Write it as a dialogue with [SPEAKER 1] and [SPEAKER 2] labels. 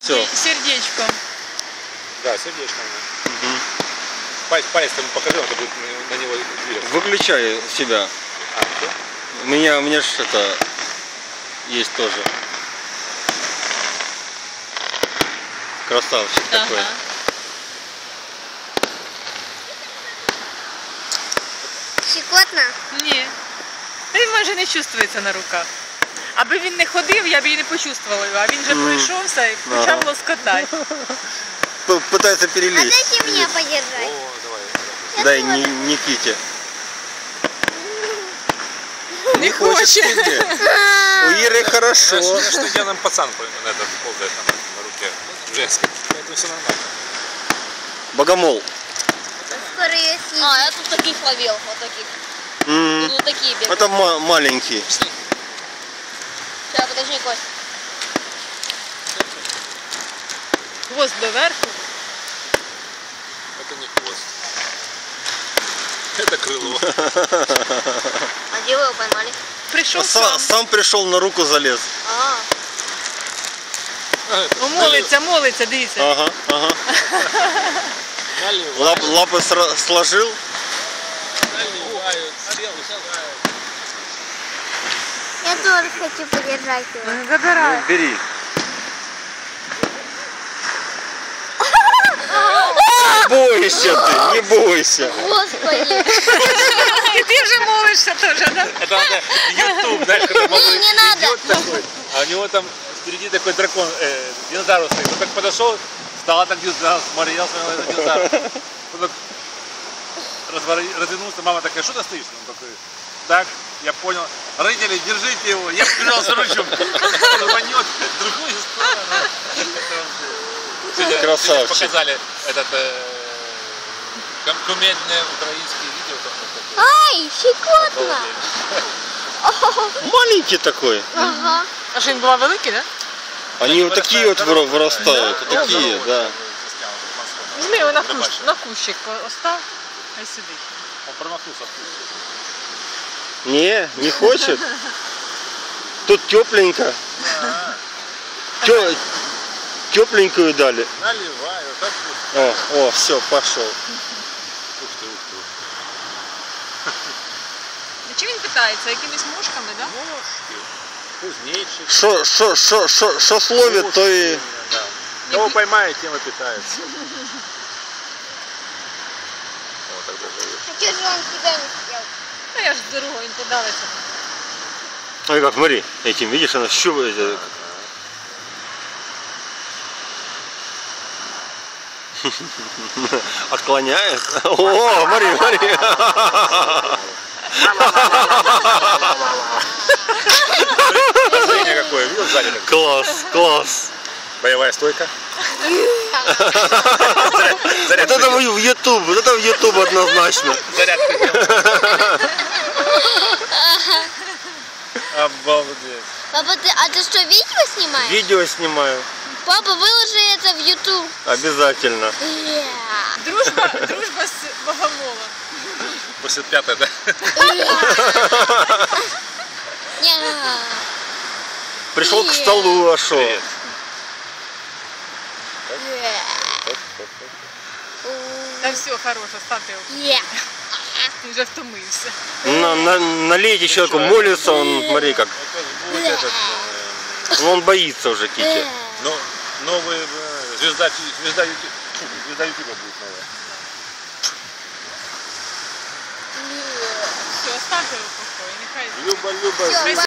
[SPEAKER 1] Все.
[SPEAKER 2] Сердечком.
[SPEAKER 3] Да, сердечко. Угу. Палец ему покажи, он будет на него двигаться.
[SPEAKER 1] Выключай себя.
[SPEAKER 3] А, что?
[SPEAKER 1] У меня ж это есть тоже. Красавчик такой.
[SPEAKER 4] Щекотно?
[SPEAKER 2] Ні. Він майже не чувствується на руках. Аби він не ходив, я б її не почувствувала його. А він же пройшовся і почав лоскотати.
[SPEAKER 1] Пытается
[SPEAKER 4] А
[SPEAKER 1] перелезть.
[SPEAKER 4] дайте мне подержать.
[SPEAKER 3] О, давай.
[SPEAKER 1] Дай Никите.
[SPEAKER 2] Не хоче.
[SPEAKER 1] У Иры хорошо.
[SPEAKER 3] Знаешь, что идеальным пацан на этот ползает на руке. Женский. Поэтому все нормально.
[SPEAKER 1] Богомол.
[SPEAKER 4] Скоро ее съедим.
[SPEAKER 5] А, я тут таких ловил, вот таких. Тут вот такие бегают.
[SPEAKER 1] Это маленький.
[SPEAKER 5] Сейчас, подожди, Кость.
[SPEAKER 2] Хвост доверху.
[SPEAKER 3] Это не хвост. Это крыло.
[SPEAKER 5] А где вы его поймали?
[SPEAKER 2] Прийшов сам.
[SPEAKER 1] Сам пришел, на руку залез.
[SPEAKER 5] А,
[SPEAKER 2] О, молиться, дивіться.
[SPEAKER 1] Ага. Лапы сложил.
[SPEAKER 3] Наливают, стрелы сажают.
[SPEAKER 4] Я тоже хочу подержать его.
[SPEAKER 2] Забирай.
[SPEAKER 1] Ну, бери. Не бойся ты, не бойся.
[SPEAKER 4] Господи.
[SPEAKER 2] І ти вже молишся теж, да?
[SPEAKER 3] Это надо YouTube, знаешь, когда молодой
[SPEAKER 4] не надо.
[SPEAKER 3] идет такой, а у него там впереди такой дракон, динозавр стоит. Он так подошел, встал так, смотрел, смотрел на динозавра. Он так развернулся, мама такая, что ты стоишь? Он такой, так, я понял. Родители, держите его, я побежал за ручку. Он рванет в другую сторону.
[SPEAKER 1] Красавчик.
[SPEAKER 3] Показали этот кумедное украинское видео. Там, такое.
[SPEAKER 4] Ай, щекотно.
[SPEAKER 1] Маленький такой.
[SPEAKER 4] Ага.
[SPEAKER 2] А що він був великий, да?
[SPEAKER 1] Они вот такие вот вырастают. Вот такие, да.
[SPEAKER 2] Візьми його на кущик остав, хай сидить.
[SPEAKER 3] Он промахнулся в куст.
[SPEAKER 1] Не хочет. Тут тепленько. Тепленькую дали.
[SPEAKER 3] Наливаю, так вкусно.
[SPEAKER 1] О, все, пошел.
[SPEAKER 3] Ух ты, ух ты.
[SPEAKER 2] Чи він питається, якимись мушками, да?
[SPEAKER 3] Кузнечик.
[SPEAKER 1] Что словит, то и...
[SPEAKER 3] Да. Кого поймает, тем и питается. Вот так даже есть.
[SPEAKER 4] А что же он тебя не съел?
[SPEAKER 2] Ну я ж з дорогою, він подалиться.
[SPEAKER 1] Ой, как, смотри, этим, видишь, она щупает. Отклоняет. О, смотри.
[SPEAKER 3] Зрение какое, видел сзади?
[SPEAKER 1] Класс.
[SPEAKER 3] Боевая стойка.
[SPEAKER 1] Вот это в YouTube однозначно.
[SPEAKER 3] Зарядку делал. Обалдеть.
[SPEAKER 4] Папа, а ты что, видео снимаешь?
[SPEAKER 1] Видео снимаю.
[SPEAKER 4] Папа, выложи это в YouTube.
[SPEAKER 1] Обязательно.
[SPEAKER 2] Дружба з богомолом.
[SPEAKER 3] 85-е, да?
[SPEAKER 1] Пришел к столу, а шо?
[SPEAKER 3] Привет.
[SPEAKER 2] Та все, хороше, ставте його. Він вже втомився.
[SPEAKER 1] Налейте человеку, молится он, смотри как.
[SPEAKER 3] Это будет этот,
[SPEAKER 1] Он боится уже, Кити.
[SPEAKER 3] новый звезда Ютуба будет новая.
[SPEAKER 2] Все, ставте його в покої, нехай.
[SPEAKER 3] Люба.